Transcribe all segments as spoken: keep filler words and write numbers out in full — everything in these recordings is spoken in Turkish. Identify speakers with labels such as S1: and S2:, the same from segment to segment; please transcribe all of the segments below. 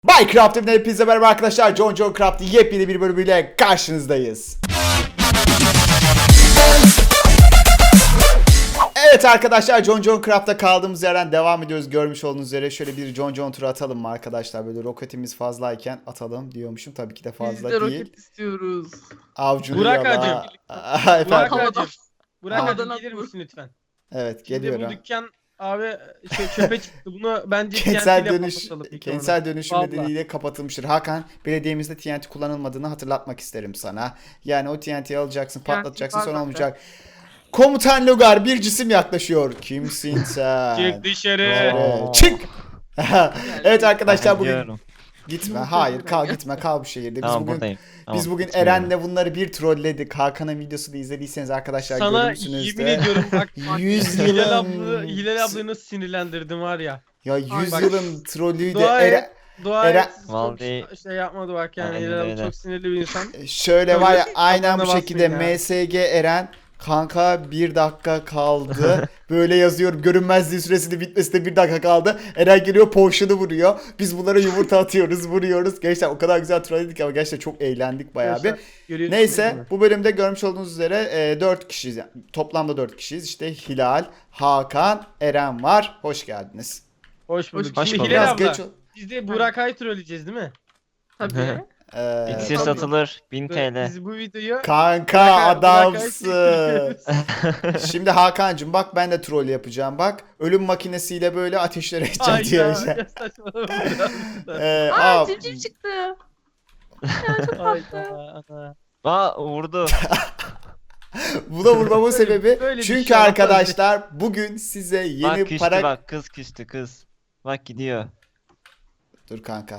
S1: Minecraft'ın hepinize merhaba arkadaşlar. John John Craft'ın yepyeni bir bölümüyle karşınızdayız. Evet arkadaşlar, John John Craft'ta kaldığımız yerden devam ediyoruz. Görmüş olduğunuz üzere şöyle bir John John turu atalım mı arkadaşlar? Böyle roketimiz fazlayken atalım diyormuşum. Tabii ki de fazla
S2: Biz de
S1: değil.
S2: roket istiyoruz.
S1: Avcunu
S3: Burak
S1: yala.
S3: Hacı.
S1: Efendim?
S3: Burak
S2: Havadan-
S3: Hacım. Burak
S2: Havadan
S3: Hacım gelir
S2: atma.
S3: misin lütfen?
S1: Evet,
S3: Şimdi
S1: geliyorum.
S3: bu dükkan abi şey, çöpe çıktı. Bunu bence
S1: Kentsel
S3: T N T 'le
S1: dönüş,
S3: patlatalım ilk
S1: kentsel
S3: olarak.
S1: dönüşüm
S3: Vallahi.
S1: nedeniyle kapatılmıştır. Hakan, belediyemizde T N T kullanılmadığını hatırlatmak isterim sana. Yani o T N T'yi alacaksın,
S2: T N T
S1: patlatacaksın,
S2: var
S1: sonra
S2: zaten.
S1: olmayacak. Komutan Logar, bir cisim yaklaşıyor. Kimsin sen?
S3: Çık dışarı.
S1: Evet, çık. Evet arkadaşlar, bugün
S4: Gidiyorum.
S1: gitme.
S2: Yumurta
S1: Hayır,
S2: yemeye
S1: kal
S2: gel.
S1: gitme, kal bu şehirde. Biz
S4: Tamam
S1: bugün
S4: buradayım. Tamam,
S1: biz bugün
S4: gitmiyorum.
S1: Eren'le bunları bir trolledik. Hakan'ın videosunu izlediyseniz arkadaşlar
S3: Sana
S1: görürsünüz
S3: yemin
S1: de.
S3: ediyorum bak.
S1: Yüz
S3: Hilal abla,
S1: yılın
S3: Hilal ablayı nasıl sinirlendirdim var ya.
S1: ya yüz
S3: bak,
S1: yılın trollüydü.
S3: Dua
S1: Eren...
S3: et. Dua
S1: Eren-
S3: et. Çok
S4: Vallahi-
S3: şey yapmadı bak yani.
S4: Aynen
S3: Hilal abla
S4: öyle.
S3: çok sinirli bir insan.
S1: Şöyle var ya,
S3: Öyle
S1: aynen bu
S3: kafana
S1: şekilde
S3: basmayın ya.
S1: M S G Eren kanka bir dakika kaldı. Böyle yazıyorum, görünmezliği süresinin bitmesine bir dakika kaldı. Eren geliyor, potion'u vuruyor. Biz bunlara yumurta atıyoruz, vuruyoruz. Gençler o kadar güzel trolledik ama gerçekten çok eğlendik bayağı bir.
S3: Gençler, görüyorsunuz
S1: Neyse,
S3: değil mi?
S1: bu bölümde görmüş olduğunuz üzere e, dört kişiyiz. Yani, toplamda dört kişiyiz. İşte Hilal, Hakan, Eren var. Hoş geldiniz.
S3: Hoş bulduk.
S4: Hoş
S3: Şimdi
S4: bulduk.
S3: Hilal
S1: Biraz
S3: abla.
S1: geç ol-
S3: Biz de Burak Ay trolleyeceğiz değil mi?
S2: Tabii.
S1: Ee,
S4: İksir
S2: Tabii.
S4: satılır bin T L.
S3: Biz bu videoyu
S1: Kanka
S3: Burak Ay- Burak Ay
S1: adamsın.
S3: çektiriyoruz.
S1: Şimdi Hakan'cığım bak, ben de troll yapacağım bak. Ölüm makinesiyle böyle ateşlere edeceğim
S3: Ay
S1: diyor
S3: ya,
S1: işte.
S3: ya saçmalama biraz.
S1: Ee,
S2: Aa
S1: aa,
S2: civciv çıktı.
S3: Hayda, ana.
S4: Aa vurdu.
S1: buna vurmamın
S3: Böyle-
S1: sebebi
S3: böyle bir
S1: çünkü
S3: şey olmaz.
S1: arkadaşlar bugün size yeni
S4: Bak küstü
S1: para...
S4: bak kız küstü kız. Bak gidiyor.
S1: Dur kanka.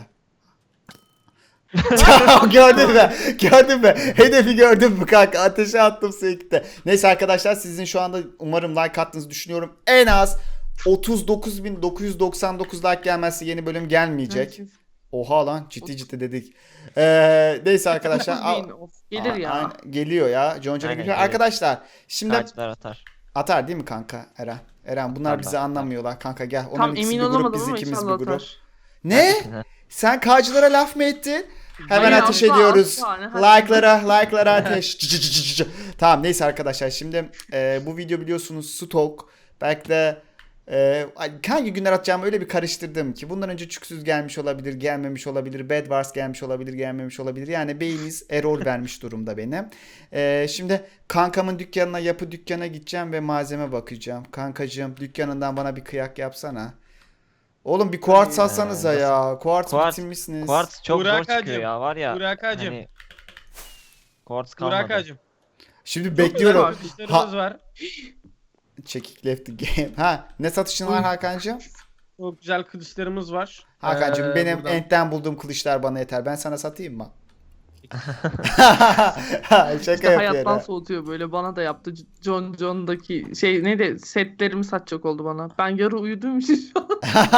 S1: Gördün mü? Gördün mü? Hedefi gördün mü kanka? Ateşe attım sekte. Neyse arkadaşlar, sizin şu anda umarım like attığınızı düşünüyorum. En az otuz dokuz bin dokuz yüz doksan dokuz like gelmezse yeni bölüm gelmeyecek. Oha lan, ciddi ciddi dedik. Ee, neyse arkadaşlar.
S2: Dokuz bin, of, Gelir ya.
S1: Aynen, geliyor ya. John John'a
S4: Aynen,
S1: geliyor.
S4: gelir.
S1: Arkadaşlar şimdi
S4: Taclar atar.
S1: atar değil mi kanka Eren? Eren bunlar
S4: Atar,
S1: bizi
S4: atar.
S1: anlamıyorlar kanka, gel. Onların
S2: Tam
S1: ikisi
S2: emin
S1: bir grup,
S2: olamadım
S1: biz
S2: ama
S1: ikimiz
S2: inşallah
S1: bir grup.
S2: atar.
S1: Ne? Sen K'cılara laf mı ettin? Hemen
S2: Hayır,
S1: ateş
S2: asla,
S1: ediyoruz.
S2: asla, ne haddi.
S1: Like'lara, like'lara ateş. Cı cı cı cı cı. Tamam neyse arkadaşlar, şimdi e, bu video biliyorsunuz stok. Belki de e, hangi günler atacağımı öyle bir karıştırdım ki. Bundan önce Çüksüz gelmiş olabilir, gelmemiş olabilir. Bed Wars gelmiş olabilir, gelmemiş olabilir. Yani beyniniz error vermiş durumda benim. E, şimdi kankamın dükkanına, yapı dükkana gideceğim ve malzeme bakacağım. Kankacığım, dükkanından bana bir kıyak yapsana. Oğlum bir kuartz
S4: Ay,
S1: alsanıza
S4: nasıl-
S1: ya. Kuartz
S4: Kuartz-
S1: bitirmişsiniz.
S4: Kuartz çok
S3: Burak
S4: zor çıkıyor
S3: Hacım,
S4: ya var ya.
S3: Burak Hacım.
S4: Hani Kuartz kalmadı.
S3: Burak Hacım.
S1: Şimdi
S2: Çok
S1: bekliyorum.
S2: güzel
S3: Kuşlarımız var.
S1: Çekik left the game. Ha, ne satışın var
S3: Uy.
S1: Hakan'cığım?
S3: Çok güzel kılıçlarımız var.
S1: Hakan'cığım
S3: Ee,
S1: benim
S3: buradan-
S1: entten bulduğum kılıçlar bana yeter. Ben sana satayım mı? Şaka
S2: İşte hayattan
S1: yapıyorum.
S2: soğutuyor böyle. Bana da yaptı. John John'daki şey neydi? Setlerimi satacak oldu bana. Ben yarı uyuduğum için şu an.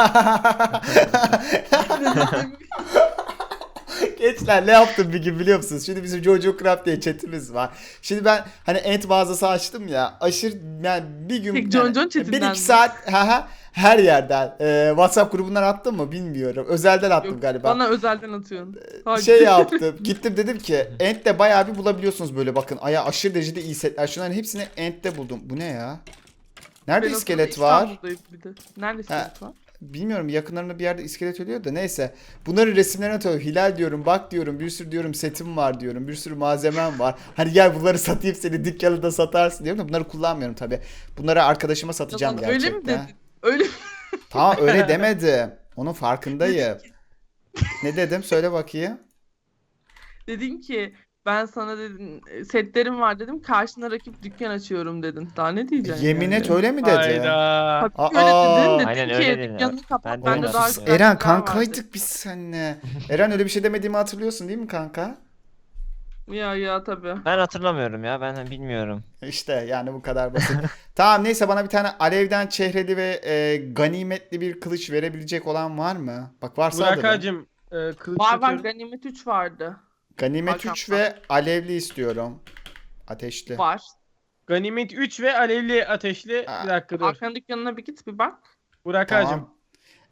S1: Gençler ne yaptım bir gün biliyor musunuz? Şimdi bizim Jojo Craft diye chatimiz var. Şimdi ben hani ent mağazası açtım ya. Aşırı yani bir gün
S2: Tek John
S1: yani,
S2: John chatinden
S1: bir
S2: mi?
S1: iki saat haha, her yerden. Ee, WhatsApp grubundan attım mı bilmiyorum. Özelden attım
S2: Yok,
S1: galiba.
S2: bana özelden atıyorsun. Hadi.
S1: Şey yaptım. Gittim dedim ki Ent'te bayağı bir bulabiliyorsunuz böyle, bakın. Aya aşırı derecede iyi setler. Şunların hepsini Ent'te buldum. Bu ne ya? Nerede
S2: Ben o
S1: iskelet
S2: sırada
S1: var?
S2: İstanbul'dayım bir de. Nerede iskelet var?
S1: Bilmiyorum, yakınlarında bir yerde iskelet ölüyor da neyse. Bunların resimlerini atıyorum. Hilal diyorum, bak diyorum, bir sürü diyorum setim var diyorum. Bir sürü malzemem var. Hani gel bunları satayım, seni dükkanında satarsın diyorum da bunları kullanmıyorum tabi. Bunları arkadaşıma satacağım
S2: Yalan, öyle mi
S1: gerçekten.
S2: dedin? Öyle mi?
S1: Tamam öyle demedim. Onun farkındayım. Ne dedim? Söyle bakayım.
S2: Dedin ki ben sana dedim setlerim var dedim. Karşına rakip dükkan açıyorum dedin. Daha ne diyeceksin
S1: Yemin
S2: yani?
S1: et, öyle mi dedi?
S3: Hayda.
S2: Tabii öyle
S1: Aa.
S2: dedin. Dedin
S4: Aynen
S2: ki
S4: öyle dedi.
S2: dükkanını kapat.
S4: Ben de
S2: Ben de
S4: öyle
S2: daha
S4: yaptım.
S2: güzel
S1: Eren
S2: şeyler var
S1: kankaydık biz seninle. Eren öyle bir şey demediğimi hatırlıyorsun değil mi kanka?
S2: dedim. Ya ya tabii.
S4: Ben hatırlamıyorum ya ben bilmiyorum.
S1: İşte yani bu kadar basit. Tamam neyse, bana bir tane alevden çehreli ve e, ganimetli bir kılıç verebilecek olan var mı? Bak varsa
S3: Burak
S1: alırım.
S3: Hacım. E, kılıç
S2: Var var
S3: satıyorum.
S2: ganimet üç vardı.
S1: Ganimet
S2: Hakan
S1: üç
S2: var.
S1: ve alevli istiyorum. Ateşli.
S2: Var.
S3: Ganimet üç ve alevli ateşli.
S1: Aa.
S3: Bir dakika dur.
S2: Hakan dükkanına bir git bir bak.
S3: Burak
S1: Tamam.
S3: Hacım.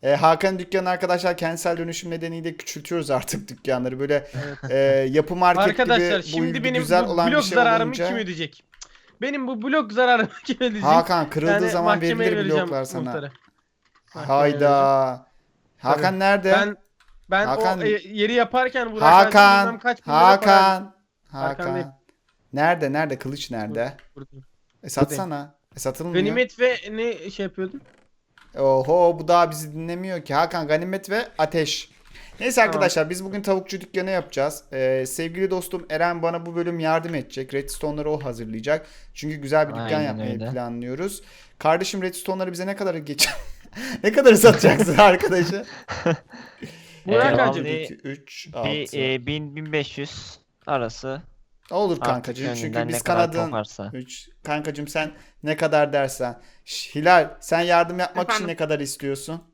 S1: E, Hakan dükkanı arkadaşlar kentsel dönüşüm nedeniyle küçültüyoruz artık dükkanları. Böyle
S3: Evet.
S1: e, yapı market
S3: Arkadaşlar
S1: gibi bu
S3: şimdi
S1: ilgi
S3: benim
S1: güzel
S3: bu
S1: olan bir
S3: blok
S1: şey
S3: zararımı
S1: olunca.
S3: kim ödeyecek? Benim bu blok zararımı kim ödeyecek?
S1: Hakan kırıldığı
S3: Yani
S1: zaman
S3: mahkemeye
S1: verilir
S3: vereceğim
S1: bloklar sana.
S3: muhtara. Mahkemeye vereceğim.
S1: Hayda. Hakan
S3: Tabii.
S1: nerede?
S3: Ben ben
S1: Hakan-
S3: o e, yeri yaparken Burak Hacı bilmem
S1: Hakan.
S3: kaç bin lira para
S1: Hakan.
S3: Hakan değil.
S1: Hakan. Nerede? Nerede? Kılıç nerede?
S3: Buradayım.
S1: E satsana. E satılmıyor.
S3: Ganimet ve ne şey yapıyordun?
S1: Oho bu daha bizi dinlemiyor ki. Hakan ganimet ve ateş. Neyse
S3: Tamam.
S1: arkadaşlar biz bugün tavukçu dükkanı yapacağız. Ee, sevgili dostum Eren bana bu bölüm yardım edecek. Redstone'ları o hazırlayacak. Çünkü güzel bir dükkan
S4: Aynen
S1: yapmayı
S4: öyle.
S1: planlıyoruz. Kardeşim Redstone'ları bize ne kadar geç ne kadar satacaksın arkadaşı?
S3: Burak
S4: Ee,
S3: Hacı.
S4: vallahi
S1: iki, üç,
S4: Bir
S1: altı.
S4: e, bin bin beş yüz arası
S1: Olur
S4: artık
S1: kankacığım çünkü
S4: gönlünden
S1: biz
S4: ne kadar
S1: kanadın
S4: koparsa.
S1: üç. Kankacığım sen ne kadar dersen. Şş, Hilal sen yardım yapmak için
S2: Efendim?
S1: ne kadar istiyorsun?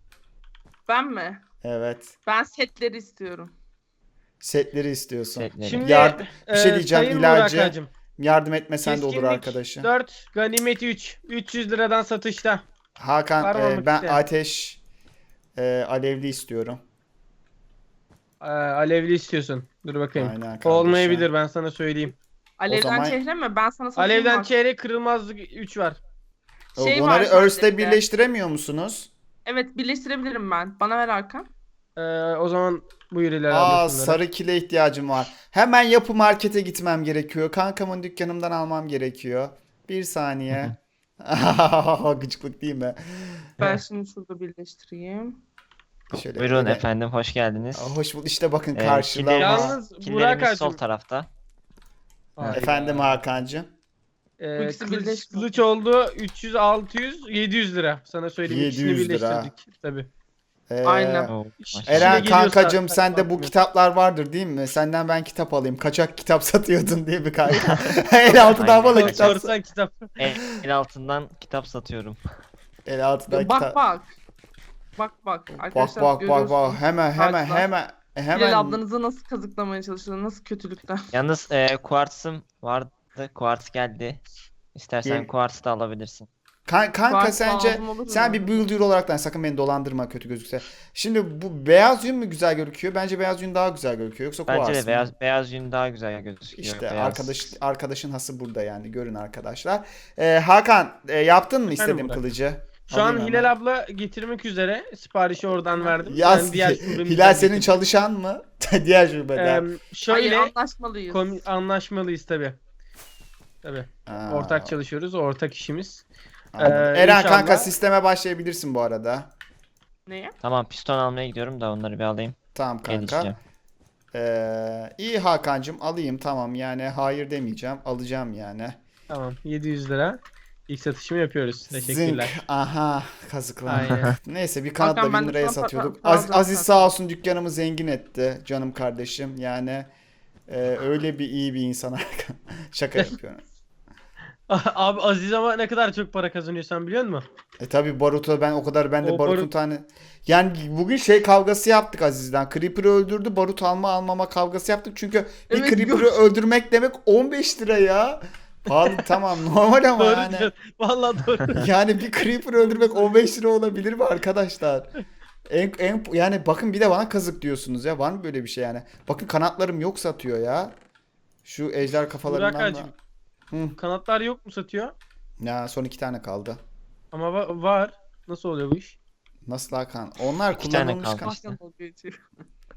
S2: Ben mi?
S1: Evet.
S2: Ben setleri istiyorum.
S1: Setleri istiyorsun.
S4: Setleri.
S3: Şimdi
S1: Yard- bir şey
S3: e,
S1: diyeceğim,
S3: Sayın
S1: ilacı.
S3: Burak Hacım,
S1: Yardım etmesen de olur
S3: keskinlik
S1: arkadaşım.
S3: dört, ganimet üç. üç yüz liradan satışta.
S1: Hakan
S3: Var mı
S1: e,
S3: olmak
S1: ben
S3: isteyen?
S1: ateş e, alevli istiyorum.
S3: Ee, alevli istiyorsun. Dur bakayım.
S1: Aynen kardeşim.
S3: Olmayabilir ben sana söyleyeyim.
S2: Alevden
S1: zaman-
S2: çehre mi? Ben sana satayım
S3: Alevden
S2: bak.
S3: çeyrek kırılmazlık üç var.
S1: O,
S2: Şey
S1: Bunları
S2: var
S1: Earth'le
S2: sadece.
S1: birleştiremiyor musunuz?
S2: Evet birleştirebilirim ben. Bana ver Hakan.
S3: Ee, o zaman buyur ileri
S1: Aa
S3: abla şunları.
S1: sarı kile ihtiyacım var. Hemen yapı markete gitmem gerekiyor. Kankamın dükkanımdan almam gerekiyor. Bir saniye. Gıcıklık değil mi?
S2: Ben şimdi şurada birleştireyim.
S1: Şöyle
S4: Buyurun
S1: böyle-
S4: efendim hoş geldiniz.
S1: Aa, hoş bulduk. İşte bakın
S4: Ee,
S1: karşılama.
S4: killerimiz-
S3: Yalnız Burak
S4: Killerimiz sol
S3: Hacım.
S4: tarafta.
S3: Hayda.
S1: Efendim Hakan'cığım.
S3: Ee,
S2: Bu ikisi
S3: kılıç,
S2: birleşti.
S3: kılıç oldu üç yüz, altı yüz, yedi yüz lira. Sana söyleyeyim.
S1: yedi
S3: İkisini
S1: yüz lira.
S3: birleştirdik. Tabii.
S1: Ee,
S2: Aynen.
S4: Oo,
S3: İşine
S1: Eren
S3: geliyorsa-
S1: kankacığım sende bu
S3: Bakmıyor.
S1: kitaplar vardır değil mi? Senden ben kitap alayım. Kaçak kitap satıyordun diye bir kanka. El altından
S4: Aynen.
S1: bana kitap.
S3: Korsan kitap.
S4: El, el altından kitap satıyorum.
S1: El altından
S2: Bak
S1: kitap.
S2: bak. Bak bak.
S1: Bak
S2: Arkadaşlar
S1: bak bak
S2: görüyorsunuz.
S1: bak hemen hemen
S2: Karşılar.
S1: hemen hemen
S2: Hilal ablanızı nasıl kazıklamaya çalışıyor? Nasıl kötülükten?
S4: Yalnız e, kuartsım vardı. Kuarts geldi. İstersen
S1: Gel-
S4: kuartsı da alabilirsin.
S1: Kan- kanka
S2: Varsa
S1: sence
S2: lazım olur
S1: sen
S2: mu?
S1: bir builder olaraktan sakın beni dolandırma kötü gözükse. Şimdi bu beyaz yün mü güzel gözüküyor? Bence beyaz yün daha güzel gözüküyor. Yoksa
S4: Bence
S1: kuars
S4: de
S1: mı?
S4: beyaz beyaz yün daha güzel gözüküyor.
S1: İşte
S4: Beyaz.
S1: arkadaş arkadaşın hası burada yani görün arkadaşlar. Ee, Hakan e, yaptın mı istediğim
S3: Burak.
S1: kılıcı?
S3: Şu an
S1: Alayım
S3: Hilal
S1: hemen.
S3: abla getirmek üzere. Siparişi oradan verdim.
S1: Ya
S3: Ben diğer şubemizden
S1: Hilal senin
S3: getirdim.
S1: çalışan mı? Diğer şubeden.
S3: Eee,
S2: Hayır
S3: şöyle
S2: anlaşmalıyız.
S3: kom- anlaşmalıyız tabi. Tabi.
S1: Aa,
S3: Ortak çalışıyoruz. O ortak işimiz.
S1: anladım.
S3: Ee,
S1: Eren
S3: inşallah-
S1: kanka sisteme başlayabilirsin bu arada.
S2: Neye?
S4: Tamam piston almaya gidiyorum da onları bir alayım.
S1: Tamam kanka.
S4: Gelişeceğim.
S1: Ee, iyi Hakan'cığım alayım tamam yani hayır demeyeceğim alacağım yani.
S3: Tamam. yedi yüz lira. İlk satışımı yapıyoruz. Teşekkürler.
S1: Zınk. Aha kazıklandı.
S3: Aynen.
S1: Neyse bir kanat
S2: Hakan,
S1: da
S2: ben
S1: bin
S2: de
S1: liraya
S2: sana
S1: satıyorduk.
S2: para-
S1: Az-
S2: para
S1: Aziz
S2: zaten.
S1: sağ olsun dükkanımı zengin etti canım kardeşim. Yani e, öyle bir iyi bir insan Hakan. Şaka yapıyorum.
S3: Abi Aziz ama ne kadar çok para kazanıyorsan biliyor musun?
S1: E tabi Barut'a ben o kadar ben de
S3: O
S1: Barut'un
S3: Barut-
S1: tane yani bugün şey kavgası yaptık Aziz'den. Creeper'ı öldürdü. Barut alma almama kavgası yaptık. Çünkü bir
S2: Evet,
S1: Creeper'ı
S2: gör-
S1: öldürmek demek on beş lira ya. Pahalı tamam normal ama
S3: Doğru
S1: yani.
S3: diyorsun. Vallahi doğru.
S1: Yani bir Creeper öldürmek on beş lira olabilir mi arkadaşlar? En, en, yani bakın bir de bana kazık diyorsunuz ya. Var mı böyle bir şey yani? Bakın kanatlarım yok satıyor ya. Şu ejder kafalarından da.
S3: Burakacığım.
S1: Hı.
S3: Kanatlar yok mu satıyor?
S1: Ya son iki tane kaldı.
S3: Ama va- var. Nasıl oluyor bu iş?
S1: Nasıl Hakan? Onlar
S4: İki tane
S1: kullanılmış
S4: kaldı
S1: kan-
S4: işte.
S2: Hakan dalga geçiyor.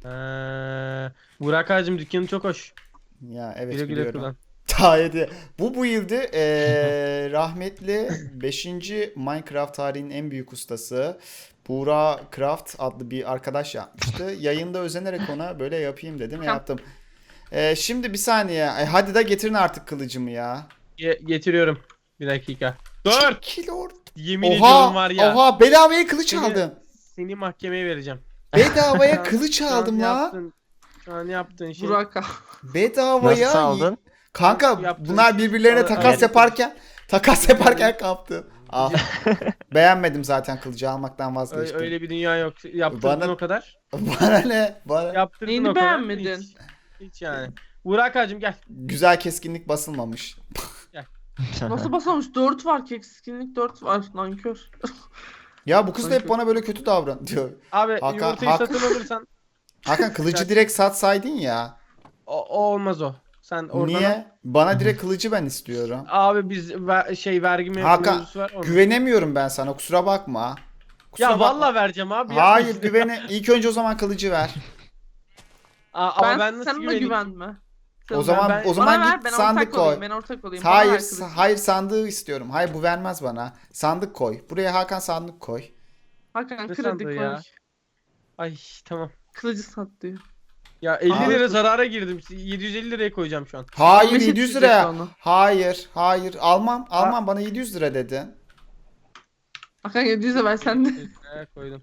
S3: Ee, Burak Hacım dükkanı çok hoş.
S1: Ya evet
S3: Güle güle
S1: biliyorum.
S3: kullan.
S1: Tayedi. Bu bu yıldı eee, rahmetli beşinci Minecraft tarihinin en büyük ustası Buğra Craft adlı bir arkadaş yapmıştı. Yayında özenerek ona böyle yapayım dedim yaptım. Eee, şimdi bir saniye. Ay, hadi da getirin artık kılıcımı ya.
S3: Ge- getiriyorum. Bir dakika. Dur!
S1: Kilo.
S3: Yemin
S1: Oha,
S3: ediyorum var ya.
S1: oha bedavaya kılıç
S3: Seni-
S1: aldım.
S3: Seni mahkemeye vereceğim.
S1: Bedavaya
S3: Şu an-
S1: kılıç
S3: şu an
S1: aldım la.
S3: yaptığın- Şu an yaptığın şey.
S2: Burak abi.
S1: Bedavaya.
S4: Nasıl aldın?
S1: Kanka
S3: Yaptığın
S1: bunlar
S3: şey-
S1: birbirlerine
S3: Al-
S1: takas
S4: al-
S1: yaparken takas yaparken kaptı. Ah. Beğenmedim zaten kılıcı almaktan
S3: Ö-
S1: vazgeçtim.
S3: öyle bir dünya yok. Yaptırdın
S1: Bana-
S3: o kadar.
S1: Bana ne? Bana...
S3: Yaptırdın
S2: Neyini
S3: o kadar.
S2: beğenmedin?
S3: Hiç, hiç yani. Burak Hacım gel.
S1: Güzel keskinlik basılmamış.
S2: Nasıl basamış? dört var. Keskinlik dört var. Nankör.
S1: Ya bu kız da hep
S2: Kanka.
S1: bana böyle kötü davran diyor.
S3: Abi
S1: Hakan-
S3: yumurtayı
S1: Hakan-
S3: satın alırsan
S1: Hakan kılıcı direkt satsaydın ya.
S3: o, o olmaz o. Sen oradan al.
S1: Niye? Bana direkt kılıcı ben istiyorum.
S3: Abi biz ver- şey vergi me-
S1: Hakan,
S3: mevzusu var. onun.
S1: Güvenemiyorum ben sana, kusura bakma. Kusura
S3: Ya
S1: bakma.
S3: vallahi vereceğim abi. yapma
S1: Hayır
S3: işte.
S1: güvene. İlk önce o zaman kılıcı ver.
S3: Aa, ama
S2: Ben,
S3: ben nasıl
S2: sen ona
S3: güveneyim?
S2: güvenme. Sen
S1: O
S2: ona-
S1: zaman
S3: ben-
S1: o zaman
S2: Bana ver,
S1: git
S2: ben
S1: sandık
S2: ortak
S1: koy.
S2: olayım. Ben ortak olayım. Bana
S1: Hayır,
S2: ver
S1: sa-
S2: kılıcı.
S1: hayır sandığı istiyorum. Hayır bu vermez bana. Sandık koy. Buraya Hakan sandık koy.
S2: Hakan
S3: Ne
S2: kredi
S3: sandığı
S2: koy.
S3: ya? Ay tamam.
S2: Kılıcı sat diyor.
S3: Ya elli
S1: Abi-
S3: lira zarara girdim. yedi yüz elli liraya koyacağım şu an.
S1: Hayır
S2: Beşik
S1: yedi yüz
S2: diyecek
S1: liraya.
S2: onu.
S1: Hayır, hayır. Almam, almam. Bana yedi yüz lira dedi.
S2: Hakan yedi yüze ver sen de.
S3: Liraya koydum.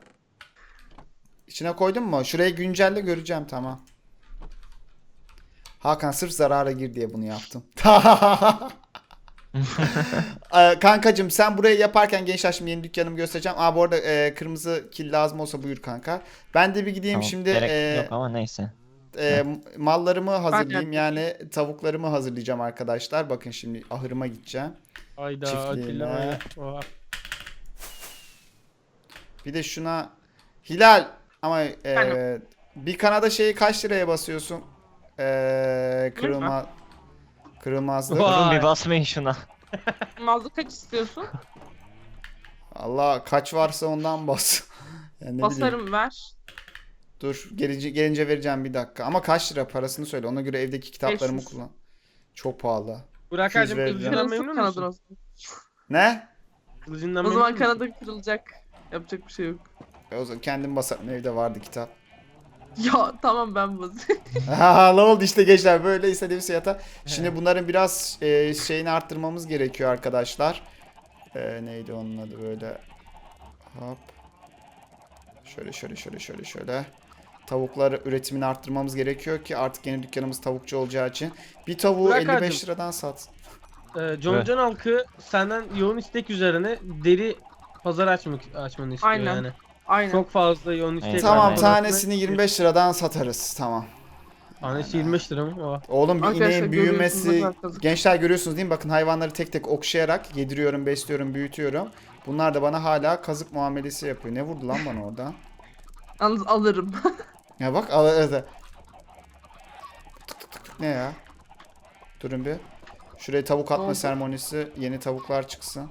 S1: İçine koydun mu? Şurayı güncelle göreceğim, tamam. Hakan sırf zarara gir diye bunu yaptım. Ee, Kankacım sen burayı yaparken gençler şimdi yeni dükkanımı göstereceğim. Aa bu arada e, kırmızı kil lazım olsa buyur kanka. Ben de bir gideyim
S4: Tamam,
S1: şimdi
S4: gerek
S1: e,
S4: yok ama neyse.
S1: e, mallarımı hazırlayayım.
S2: yapayım.
S1: Yani tavuklarımı hazırlayacağım arkadaşlar. Bakın şimdi ahırıma gideceğim.
S3: Hayda
S1: Çiftliğine.
S3: Atilla böyle. Oha.
S1: Bir de şuna Hilal ama e,
S2: Efendim?
S1: bir kanada şeyi kaç liraya basıyorsun? E, kırılma kırılmazlık.
S3: Vay.
S4: Durun bir basmayın şuna.
S2: Mazlı kaç istiyorsun?
S1: Allah kaç varsa ondan bas. Yani ne bileyim.
S2: Basarım ver.
S1: Dur gelince, gelince vereceğim bir dakika. Ama kaç lira parasını söyle. Ona göre evdeki kitaplarımı
S2: beş yüz.
S1: kullan. Çok pahalı.
S3: Burak
S1: iki yüz
S3: hacım
S1: vereceğim.
S3: kılıcından
S2: Kırılsın
S3: memnun
S2: kanadın
S3: musun?
S2: olsun.
S1: Ne?
S3: Kılıcından
S2: O
S3: memnun
S2: zaman
S3: musun?
S2: kanadın kırılacak. Yapacak bir şey yok.
S1: E, o zaman kendim basarım. Evde vardı kitap.
S2: Ya tamam ben basayım.
S1: Ha, ne oldu işte gençler, böyle istediğim fiyata. Şimdi bunların biraz e, şeyini arttırmamız gerekiyor arkadaşlar. E, neydi onun adı böyle. Hop. Şöyle şöyle şöyle şöyle şöyle. Tavuklar üretimini arttırmamız gerekiyor ki artık yeni dükkanımız tavukçu olacağı için. Bir tavuğu
S3: Burak
S1: elli beş
S3: abicim.
S1: liradan sat.
S3: Ee, John
S4: Evet.
S3: John halkı senden yoğun istek üzerine deri pazar açmak açmanı istiyor
S2: Aynen.
S3: yani.
S2: Aynen.
S3: Çok fazla yoğun istek var.
S1: Tamam,
S4: Aynen.
S1: tanesini yirmi beş liradan satarız. Tamam.
S3: Tanesi yirmi beş lira mı? Oha.
S1: Oğlum bir
S2: Arkadaşlar
S1: ineğin
S2: görüyorsunuz
S1: büyümesi,
S2: ne kadar kazık.
S1: gençler görüyorsunuz değil mi? Bakın hayvanları tek tek okşayarak yediriyorum, besliyorum, büyütüyorum. Bunlar da bana hala kazık muamelesi yapıyor. Ne vurdu lan bana orada?
S2: Yalnız alırım.
S1: Ya bak al al- al- Tık tık tık tık. Ne ya? Durun bir. Şuraya tavuk atma
S2: oldu?
S1: seremonisi, yeni tavuklar çıksın.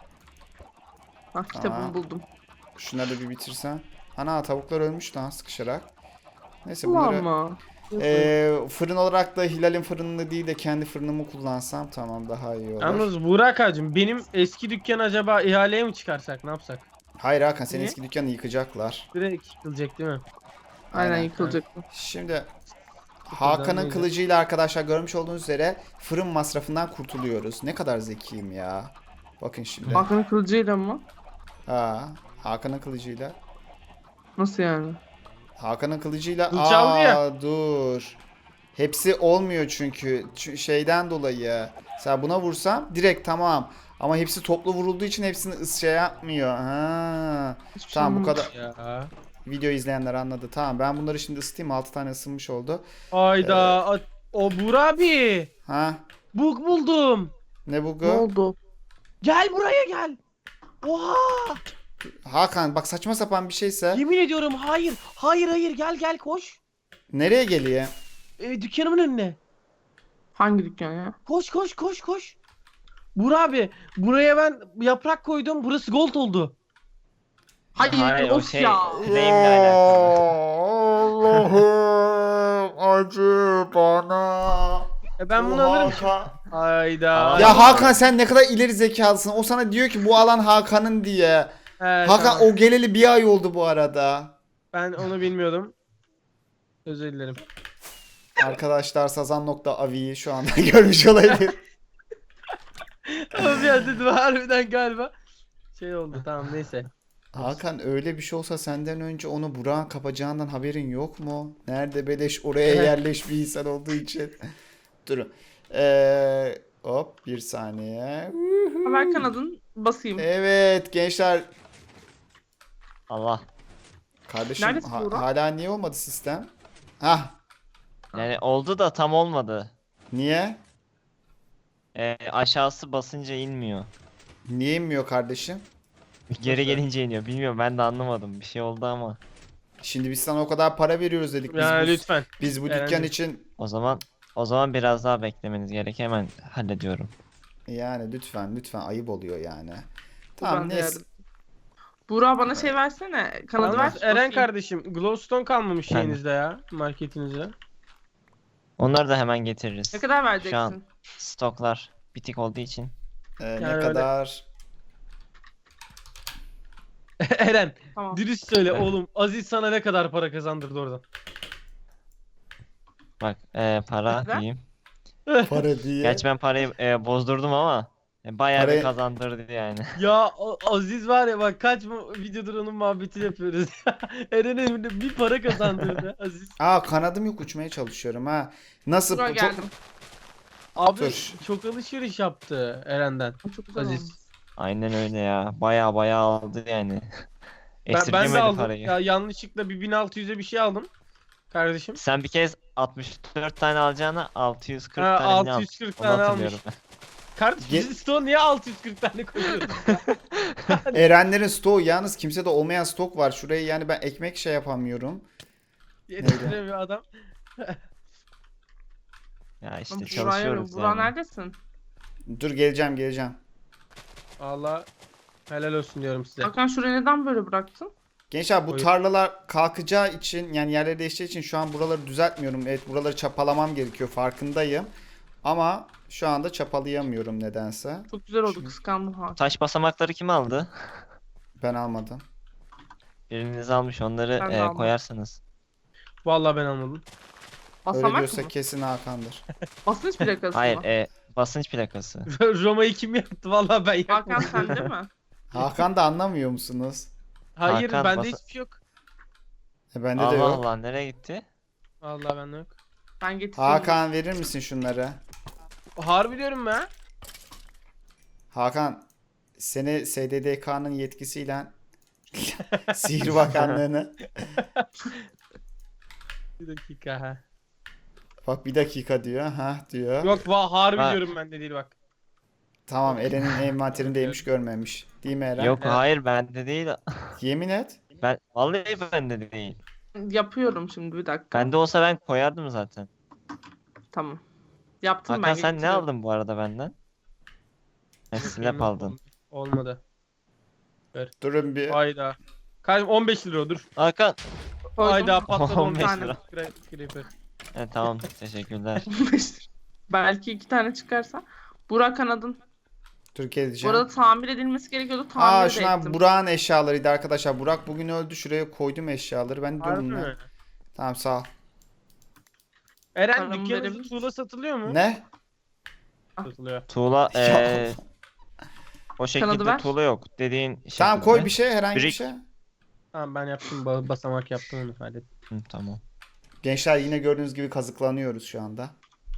S2: Ah kitabımı
S1: Aa.
S2: buldum.
S1: Şunları da bir bitirsen. Ana tavuklar ölmüş lan sıkışarak. Neyse
S2: Ulan
S1: bunları
S2: mı?
S1: eee, fırın olarak da Hilal'in fırınını değil de kendi fırınımı kullansam tamam, daha iyi olur.
S3: Yalnız Burak hacım benim eski dükkan acaba ihaleye mi çıkarsak ne yapsak?
S1: Hayır Hakan, senin
S2: Niye?
S1: eski dükkanı yıkacaklar.
S3: Direkt yıkılacak değil mi?
S2: Aynen
S1: Aynen.
S2: yıkılacak bu.
S1: Şimdi Hakan'ın
S3: neydi?
S1: kılıcıyla arkadaşlar görmüş olduğunuz üzere fırın masrafından kurtuluyoruz. Ne kadar zekiyim ya. Bakın şimdi.
S2: Hakan'ın kılıcıyla mı?
S1: Ha, Hakan'ın kılıcıyla.
S2: Nasıl yani?
S1: Hakan'ın kılıcıyla.
S3: Kılıç aldı ya.
S1: Aa dur. Hepsi olmuyor çünkü. Ç- şeyden dolayı. Mesela buna vursam direkt tamam. Ama hepsi toplu vurulduğu için hepsini ıs şey yapmıyor. Ha.
S2: Hiçbir şey
S1: Tamam bu
S2: anlamadım.
S1: kadar.
S3: Ya.
S1: Video izleyenler anladı. Tamam ben bunları şimdi ısıtayım. altı tane ısınmış oldu.
S3: Hayda. a- O Burak abi.
S1: Ha.
S3: Bug buldum.
S1: Ne bu?
S2: Ne oldu?
S3: Gel buraya gel. Oha.
S1: Hakan bak saçma sapan bir şeyse
S3: Yemin ediyorum hayır. Hayır hayır gel gel koş.
S1: nereye geliyor?
S3: Ee, dükkanımın önüne.
S2: Hangi dükkan ya?
S3: Koş koş koş koş. Burak abi buraya ben yaprak koydum. Burası gold oldu.
S2: Hayır,
S4: Hayır, o
S2: of
S4: şey-
S2: ya.
S4: Claim'le alakalı.
S1: Allah'ım acı bana.
S3: E ben bunu alırım. Hayda.
S4: Aa,
S1: Ya Hakan sen ne kadar ileri zekalısın. O sana diyor ki bu alan Hakan'ın diye.
S3: He,
S1: Hakan
S3: tamam.
S1: o geleli bir ay oldu bu arada.
S3: Ben onu bilmiyordum. Özür dilerim.
S1: Arkadaşlar sazan.avi'yi şu anda görmüş olabilir.
S3: Ama bir an dedim harbiden galiba. Şey oldu tamam neyse.
S1: Hakan öyle bir şey olsa senden önce onu Burak'ın kapacağından haberin yok mu? Nerede beleş oraya yerleş bir insan olduğu için. Durun. Ee, hop bir saniye.
S2: Haber kanadın basayım.
S1: Evet gençler.
S4: Allah.
S1: Kardeşim
S2: Neredesin
S1: ha-
S2: Burak?
S1: hala niye olmadı sistem? Hah
S4: Yani oldu da tam olmadı.
S1: niye?
S4: Ee, aşağısı basınca inmiyor.
S1: Niye inmiyor kardeşim?
S4: Geri
S3: Nasıl?
S4: gelince iniyor. Bilmiyorum ben de anlamadım. Bir şey oldu ama.
S1: Şimdi biz sana o kadar para veriyoruz dedik. Biz
S3: Ya
S1: bu,
S3: lütfen.
S1: biz bu dükkan
S3: Eren'cim.
S1: için
S4: O zaman o zaman biraz daha beklemeniz gerek. Hemen hallediyorum.
S1: yani lütfen lütfen ayıp oluyor yani.
S2: Ben
S1: Tamam
S2: de
S1: neyse.
S2: yardım- Buğra bana şey versene. Kanadı ver.
S3: Yalnız Eren
S2: bakayım.
S3: kardeşim glowstone kalmamış
S4: Efendim?
S3: şeyinizde ya. Marketinizde.
S4: Onları da hemen getiririz.
S2: Ne kadar
S4: Şu
S2: vereceksin?
S4: an stoklar bitik olduğu için.
S1: Ee,
S3: Yani
S1: ne
S3: öyle.
S1: kadar
S3: Eren
S2: Tamam.
S3: dürüst söyle
S4: Evet.
S3: oğlum. Aziz sana ne kadar para kazandırdı oradan?
S4: Bak e, para
S2: Neden?
S4: diyeyim.
S1: para diye.
S4: Gerçi ben parayı e, bozdurdum ama e, bayağı
S1: Parayı-
S4: bir kazandırdı yani.
S3: Ya A- Aziz var ya bak kaç mu- videodur onun muhabbetini yapıyoruz. Eren'e bir para kazandırdı Aziz.
S1: Aa kanadım yok, uçmaya çalışıyorum ha. Nasıl
S2: Buğra
S1: bu çok
S2: geldim.
S3: Abi
S1: Dur.
S3: çok alışveriş yaptı Eren'den.
S2: Çok güzel
S3: Aziz.
S2: olmuş.
S4: Aynen öyle ya. Bayağı bayağı aldı yani.
S3: Ben, ben de
S4: Esirgemedi
S3: aldım.
S4: parayı.
S3: Ya yanlışlıkla bir bin altı yüze bir şey aldım. Kardeşim.
S4: Sen bir kez altmış dört tane alacağına altı yüz kırk
S3: Ha,
S4: tane mi
S3: altı
S4: aldın?
S3: yüz kırk
S4: Onu
S3: tane
S4: hatırlıyorum.
S3: Kardeşim
S1: Ge-
S3: biz stoğu niye altı yüz kırk tane koyuyoruz?
S1: Erenlerin stoğu, yalnız kimsede olmayan stok var. Şurayı yani ben ekmek şey yapamıyorum.
S3: Yetiştiremiyor adam.
S4: Ya işte
S2: Buğra'ya arıyorum.
S4: çalışıyoruz
S2: Buğra
S4: yani.
S2: neredesin?
S1: Dur geleceğim geleceğim.
S3: Valla helal olsun diyorum size.
S2: Hakan şurayı neden böyle bıraktın?
S1: Gençler bu
S3: Buyur.
S1: tarlalar kalkacağı için, yani yerleri değişeceği için şu an buraları düzeltmiyorum. Evet, buraları çapalamam gerekiyor, farkındayım. Ama şu anda çapalayamıyorum nedense.
S2: Çok güzel oldu,
S1: Şimdi-
S2: kıskandım Hakan.
S4: Taş basamakları kim aldı?
S1: Ben almadım.
S4: Biriniz almış onları
S2: Ben de
S4: e,
S2: aldım.
S4: koyarsınız.
S3: Valla ben anladım.
S1: Öyle
S2: Basamak
S1: diyorsa
S2: mı?
S1: kesin Hakan'dır.
S2: Basınç plakası
S4: Hayır
S2: mı?
S4: e, basınç plakası.
S3: Roma'yı kim yaptı? Valla ben
S2: Hakan
S3: yapmadım.
S2: sen değil mi?
S1: Hakan da anlamıyor musunuz?
S3: Hayır
S4: Hakan,
S3: bende
S4: basa-
S3: hiçbir şey yok.
S1: E, bende de
S4: Allah
S1: yok.
S4: Allah nereye gitti?
S3: Valla bende yok.
S2: Ben getireyim.
S1: Hakan verir misin şunları?
S3: Harbi diyorum ben.
S1: Hakan seni S D D K'nın yetkisiyle Sihir Bakanlığı'nı,
S3: Bir dakika ha.
S1: bak bir dakika diyor, ha diyor.
S3: Yok va harbi
S4: Ha.
S3: diyorum ben de değil bak.
S1: Tamam, Eren'in envanterindeymiş, görmemiş. Değil mi Eren?
S4: Yok
S3: Evet.
S4: hayır bende değil.
S1: Yemin et.
S4: Ben vallahi bende değil.
S2: Yapıyorum şimdi bir dakika.
S4: Bende olsa ben koyardım zaten.
S2: Tamam. Yaptım
S4: Hakan
S2: ben
S4: sen ne
S2: getiriyorum.
S4: aldın bu arada benden? Ha, slap aldın.
S3: Olmadı.
S1: Durun bir.
S3: Hayda. Kardeşim on beş lira o, dur.
S4: Hakan.
S2: Koydum.
S3: Hayda patladı on
S4: on
S3: beş
S4: beş
S2: tane.
S4: lira.
S3: lira. Creeper.
S4: Evet tamam teşekkürler.
S2: Belki iki tane çıkarsa. Burak kanadın.
S1: Dur
S2: Bu
S1: geleceğim.
S2: arada tamir edilmesi gerekiyordu. Tamir
S1: Aa
S2: de
S1: şuna
S2: ettim.
S1: Burak'ın eşyalarıydı arkadaşlar. Burak bugün öldü. Şuraya koydum eşyaları. Ben de
S3: Harbi
S1: durun
S3: mi?
S1: lan. Tamam sağ ol.
S3: Eren
S2: Paramı verebilir
S3: dükkanınızda
S2: misin?
S3: tuğla satılıyor mu?
S1: Ne?
S3: Satılıyor.
S4: Tuğla
S1: Ya.
S4: eee o şekilde
S2: ver.
S4: tuğla yok dediğin
S1: Tamam koy
S4: şekilde.
S1: bir şey, herhangi bir
S4: Brick.
S1: şey.
S3: Tamam ben yaptım ba- basamak yaptım onu hallettim.
S4: Hı, tamam.
S1: Gençler yine gördüğünüz gibi kazıklanıyoruz şu anda.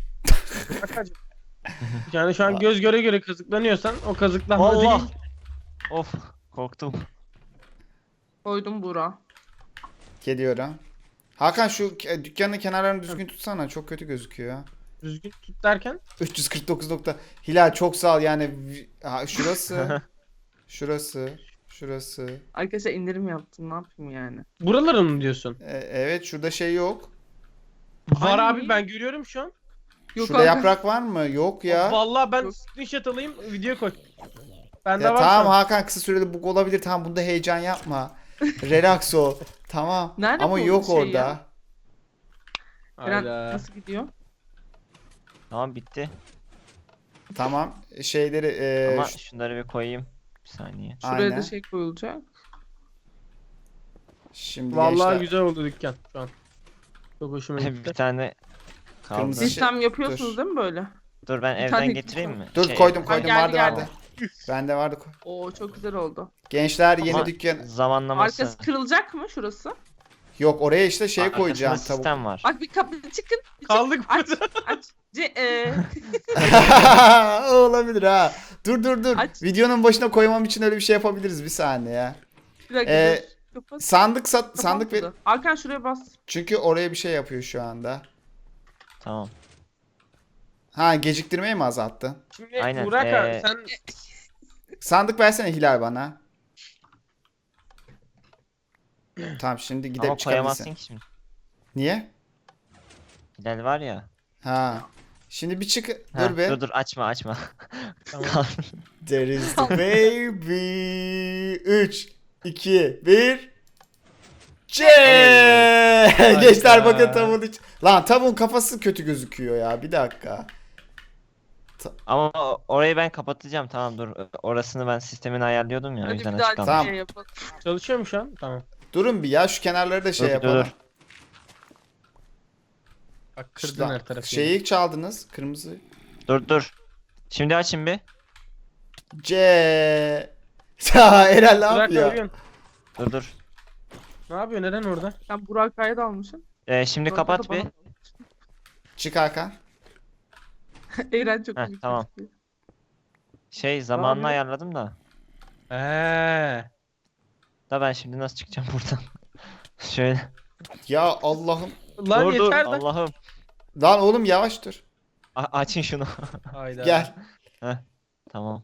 S3: Yani şu an göz göre göre kazıklanıyorsan o kazıklanma
S4: Allah.
S3: değil.
S4: Of korktum.
S2: Koydum Burak.
S1: Geliyorum. Hakan şu ke- dükkanın kenarlarını düzgün tutsana. Çok kötü gözüküyor.
S3: Düzgün tut derken.
S1: üç yüz kırk dokuz nokta. Hilal çok sağ ol yani. vi- Ha, şurası. Şurası. Şurası.
S2: Arkadaşlar indirim yaptım. Ne yapayım yani?
S3: Buraları mı diyorsun?
S1: E, evet şurada şey yok.
S3: Var
S2: Ay.
S3: abi ben görüyorum şu an.
S2: Yok
S1: Şurada
S2: Hakan.
S1: yaprak var mı? Yok ya.
S3: Vallahi ben
S2: Yok.
S3: screenshot alayım video koy. Bende
S1: Ya
S3: var
S1: tamam
S3: şu an.
S1: Hakan, kısa süreli bug olabilir. Tamam bunda heyecan yapma. Relax ol. Tamam.
S2: Nerede
S1: Ama
S2: bu
S1: yok
S2: şey
S1: orada.
S2: ya? Eren
S3: Hayda.
S2: nasıl gidiyor?
S4: Tamam bitti.
S1: Tamam. Şeyleri e,
S4: Ama
S1: ş-
S4: şunları bir koyayım. Bir saniye.
S2: Şuraya
S1: aynen.
S2: da şey koyulacak.
S1: Şimdi
S3: Vallahi
S1: gençler,
S3: güzel oldu dükkan şu an. Çok hoşuma
S4: bir
S3: gitti.
S4: tane kaldı.
S1: Kırmızı şey-
S2: Sistem yapıyorsunuz
S1: dur.
S2: değil mi böyle?
S4: Dur ben
S2: Bir
S4: evden
S2: tane
S4: getireyim mi?
S1: dur
S4: Şey,
S1: koydum
S2: Ay,
S1: koydum
S2: geldi,
S1: vardı
S2: geldi.
S1: vardı. Bende vardı. koy.
S2: Oo çok güzel oldu.
S1: Gençler yeni
S4: Ama
S1: dükkan.
S4: zamanlaması.
S2: Arkası kırılacak mı şurası?
S1: Yok oraya işte şey
S4: Arkasında
S1: koyacağım. Tavuk.
S4: sistem var.
S2: Bak bir kapı çıkın. bir
S3: Kaldık
S2: çık- Aç
S3: burada.
S2: aç. Ce, e,
S1: O olabilir ha. Dur dur dur.
S2: Aç.
S1: Videonun başına koymam için öyle bir şey yapabiliriz, bir saniye ya.
S2: bir dakika.
S1: Ee,
S2: dur. Kapat.
S1: Sandık sat sandık ver.
S2: Kapanmadı. Hakan şuraya bas.
S1: Çünkü oraya bir şey yapıyor şu anda.
S4: Tamam.
S1: Ha, geciktirmeyi mi azalttı?
S3: Şimdi
S4: Aynen,
S3: Burak abi
S4: ee,
S3: sen
S1: Sandık versene Hilal bana. Tamam şimdi
S4: Ama
S1: gidip
S4: koyamazsın
S1: çıkabilirsin.
S4: ki şimdi.
S1: Niye?
S4: Hilal var ya.
S1: Ha. Şimdi bir çık.
S4: Ha,
S1: Dur be.
S4: dur dur açma açma.
S3: Tamam.
S1: There is the baby. üç, iki, bir. C. Gençler bakın tavuğun iç. Lan tavuğun kafası kötü gözüküyor ya. Bir dakika.
S4: Ama o- orayı ben kapatacağım, tamam dur. Orasını ben sistemini ayarlıyordum ya, o
S2: Hadi
S4: yüzden
S2: bir daha
S4: açık kalmış.
S1: Tamam.
S2: şey yapalım.
S3: Çalışıyor mu şu an? Tamam.
S1: Durun bir ya şu kenarları da şey
S4: Dur, dur,
S1: yapalım.
S4: dur.
S3: Bak kırdın
S1: Şuradan-
S3: her tarafı.
S1: Şeyi çaldınız. Kırmızı.
S4: Dur dur. Şimdi açın bir.
S1: C. Ya Eren ne
S3: Burak ne
S1: yapıyor?
S3: yapıyorsun?
S4: Dur dur.
S3: Ne yapıyor? Neden orada?
S2: Sen Burak Kaya'yı da almışsın.
S4: Ee, şimdi
S2: Burak'ı
S4: kapat
S2: da
S4: bir.
S2: bana-
S1: Çık Hakan.
S2: Eren çok
S4: Heh,
S2: büyük
S4: tamam.
S2: gözüküyor.
S4: Şey zamanını
S3: yapıyor?
S4: ayarladım da.
S3: Eee.
S4: Da ben şimdi nasıl çıkacağım buradan? Şöyle.
S1: Ya Allah'ım.
S3: Lan
S4: dur dur
S3: yeter de.
S4: Allah'ım.
S1: Lan oğlum yavaş dur.
S4: A- açın şunu.
S3: Hayda.
S1: Gel.
S4: Tamam.
S1: Tamam.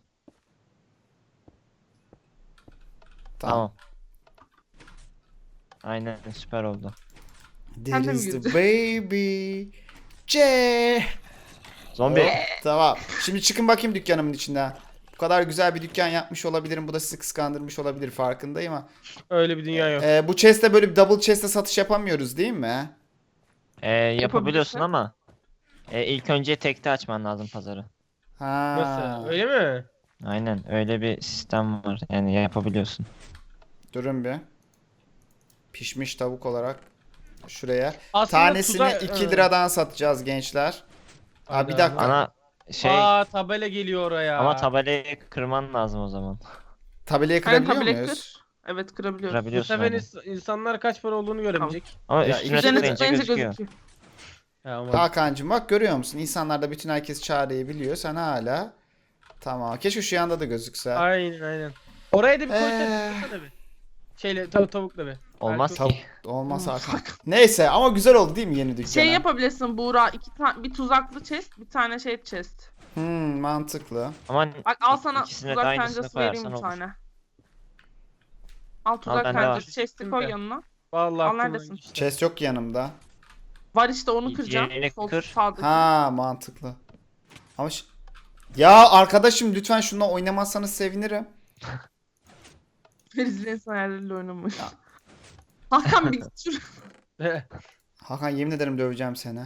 S4: Tamam. Aynen süper oldu.
S1: There
S2: Sen de mi
S1: is the
S2: girdin?
S1: baby. C.
S4: Zombi.
S1: Hop, tamam. Şimdi çıkın bakayım dükkanımın içinden. Bu kadar güzel bir dükkan yapmış olabilirim. Bu da sizi kıskandırmış olabilir farkındayım ama.
S3: Öyle bir dünya yok.
S1: Ee, bu chest'te böyle bir double chest'te satış yapamıyoruz değil mi?
S4: Ee, yapabiliyorsun
S2: Yapabilirsin.
S4: ama e, ilk önce tekte açman lazım pazarı.
S1: Ha.
S3: Nasıl? Öyle mi?
S4: Aynen öyle bir sistem var. Yani yapabiliyorsun.
S1: Durun bir. Pişmiş tavuk olarak şuraya.
S3: Aslında
S1: Tanesini
S3: tuza-
S1: iki
S3: Ha.
S1: liradan satacağız gençler. Aa, bir
S3: Hayda.
S1: dakika.
S4: Ana şey
S3: Aa tabela geliyor oraya.
S4: ama tabelayı kırman lazım o zaman.
S1: Tabelayı
S2: Aynen
S1: kırabiliyor
S2: tabelayı
S1: muyuz?
S2: kır. Evet kırabiliyoruz.
S3: Bu
S4: Kırabiliyorsun
S3: sefer
S4: aynen.
S3: ins- insanlar kaç para olduğunu göremeyecek.
S4: Ama
S1: Ya,
S4: üstüne
S2: Üzerine
S4: tıklayınca
S2: tıklayınca
S4: gözüküyor.
S2: gözüküyor.
S3: Ha, ama
S1: Hakan'cığım bak görüyor musun? İnsanlar da bütün herkes çareyi biliyor. Sen hala. Tamam. Keşke şu yanda da gözükse.
S3: Aynen aynen. Oraya da bir koysana
S1: Ee.
S3: koysana bir. Şeyle tav tavukla bir.
S4: Olmaz
S3: Belki-
S1: Tavuk
S4: ki.
S1: olmaz Hakan. Neyse ama güzel oldu değil mi yeni dükkana?
S2: Şey yapabilirsin Buğra. iki tane bir tuzaklı chest, bir tane şey chest.
S1: Hmm, mantıklı.
S4: Ama
S2: Bak al sana
S4: ikisine de
S2: tuzak
S4: aynısını
S2: pencesi vereyim
S4: koyarsan
S2: bir
S4: olur.
S2: tane. Al tuzak
S4: bende var.
S2: pencesi chest'i koy yanına.
S3: Vallahi
S2: Al,
S3: aklımdan
S2: neredesin?
S3: geçti.
S1: Chest yok ki yanımda.
S2: Var işte onu
S4: İyi,
S2: kıracağım.
S4: diğerini
S2: Sol
S4: kır.
S2: sağdaki.
S1: Ha mantıklı. Ama ş- ya arkadaşım lütfen şununla oynamazsanız sevinirim.
S2: Ferizli insan hayalleriyle oynamış. Hakan bir git şuraya.
S1: Hakan yemin ederim döveceğim seni.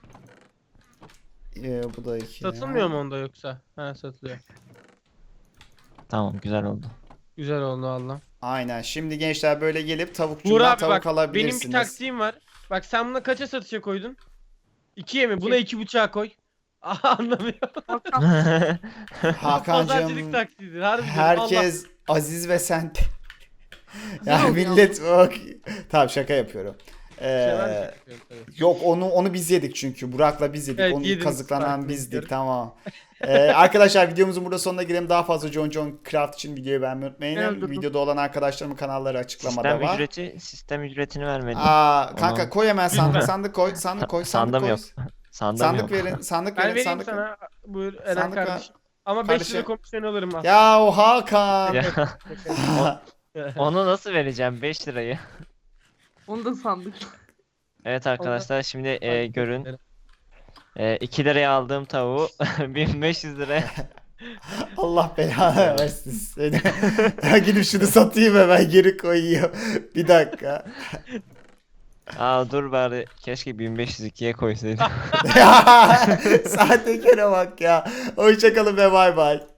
S1: Ee, bu da iki.
S3: Satılmıyor mu onda yoksa? Ha satılıyor.
S4: Tamam güzel oldu.
S3: Güzel oldu valla.
S1: Aynen. Şimdi gençler böyle gelip
S3: Buğra
S1: tavukçudan
S3: abi
S1: tavuk
S3: bak benim bir
S1: alabilirsiniz.
S3: taktiğim var. Bak sen buna kaça satışa koydun? İkiye mi? Buna iki buçuğa koy. Aha anlamıyor.
S2: Hakan.
S1: Hakan'cığım
S3: Pazarcılık taktiğidir. Harbiden.
S1: herkes Aziz ve sen.
S2: Güzel
S1: ya
S2: oldu
S1: millet bak. Tamam şaka yapıyorum. Ee,
S3: Allah.
S1: yok onu onu biz yedik çünkü. Burak'la biz yedik.
S3: Evet,
S1: onu
S3: yediniz,
S1: kazıklanan
S3: farklı
S1: bizdik.
S3: biliyorum.
S1: Tamam. Ee, arkadaşlar videomuzun burada sonuna gelelim. Daha fazla John John Craft için videoyu beğenmeyi unutmayın.
S2: Ben öldürdüm.
S1: Videoda olan arkadaşlarımın kanalları açıklamada
S4: Sistem
S1: var.
S4: ücreti sistem ücretini vermedim.
S1: Aa kanka
S4: Onu-
S1: koy hemen sandık
S3: Lütfen.
S1: sandık koy sandık koy sandık
S4: Sandım
S1: koy.
S4: yok. Sandım
S1: Sandık
S4: yok.
S1: verin sandık
S3: Ben
S1: verin
S3: vereyim
S1: sandık verin.
S3: sana. Buyur Eren
S1: Sandık ver.
S3: kardeşim. Ama beş
S1: Kardeşim.
S3: lira komisyon alırım aslında.
S1: Ya o Hakan.
S4: Ya, onu nasıl vereceğim beş lirayı?
S2: Onu da sandık.
S4: Evet arkadaşlar şimdi e,
S3: Hadi,
S4: görün.
S3: Eren.
S4: E, iki liraya aldığım tavuğu bin beş yüz liraya.
S1: Allah belanı versin seni. Ya gidip şunu satayım hemen geri koyuyor. Bir dakika.
S4: Aa dur bari keşke bin beş yüz ikiye koysaydım.
S1: Ya sahtekara bak ya. Hoşçakalın ve bay bay.